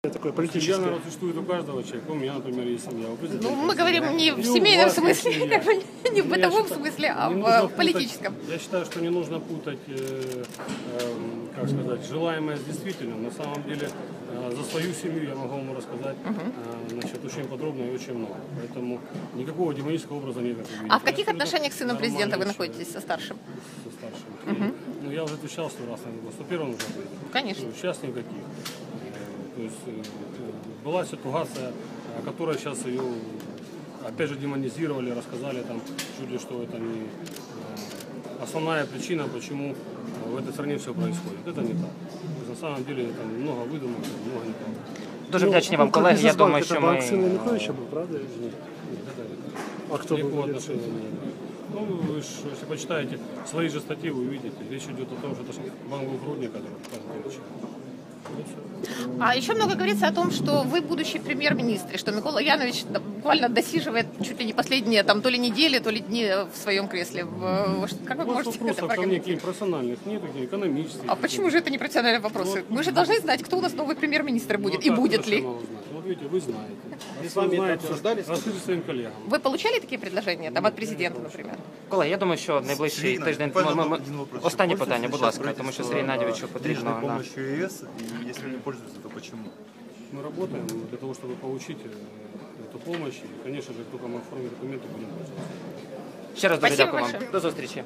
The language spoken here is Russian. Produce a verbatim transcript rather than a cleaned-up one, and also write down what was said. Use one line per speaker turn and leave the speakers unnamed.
Такое
Семья,
политическое.
наверное, существует у каждого человека. У меня, например, есть семья. У
Ну, мы говорим не в семейном смысле, как бы, не в бытовом смысле, а в политическом.
Я считаю, что не нужно путать, э, э, как сказать, желаемое с действительным. На самом деле, э, за свою семью я могу вам рассказать э, значит, очень подробно и очень много. Поэтому никакого демонического образа нет.
А в каких отношениях с сыном президента вы находитесь, со старшим?
Со старшим. Угу. Ну, я уже отвечал сто раз на вопрос. Но первым уже ответил.
Конечно.
Ну, сейчас никаких. То есть была ситуация, о которой сейчас ее опять же демонизировали, рассказали там чуть ли, что это не основная причина, почему в этой стране все происходит. Это не так. На самом деле там много выдумок, много неправды.
Дуже вдячні вам, колеги. Я думаю, що ми...
Це Сина Януковича був, правда?
Нет, это нет.
А кто
Никакого
был?
отношения не имеет. Ну, вы ж, если почитаете свои же статьи, вы увидите. Речь идет о том, что это банк Грудник, который показывает.
А еще много говорится о том, что вы будущий премьер-министр, и что Микола Янович буквально досиживает чуть ли не последние там, то ли недели, то ли дни в своем кресле. Как вы можете это
прокомментировать? Профессиональных нет, экономических.
А почему же это не профессиональные вопросы? Мы же должны знать, кто у нас новый премьер-министр будет и будет ли.
Вот видите, вы знаете.
С вами это обсуждали?
Расскажите своим коллегам.
Вы получали такие предложения там, от президента, например?
Колеги, я думаю, що найближчий тиждень... Ми, ми, ми... Останнє питання, будь ласка, тому що Сергію Геннадійовичу потрібно... на...
помощью ЕС, и если не пользуются, то почему?
Мы работаем для того, чтобы получить эту помощь. И, конечно же, как только мы оформим документы, будем пользоваться.
Ще раз дуже
Спасибо
дякую вам.
большое.
До зустрічі.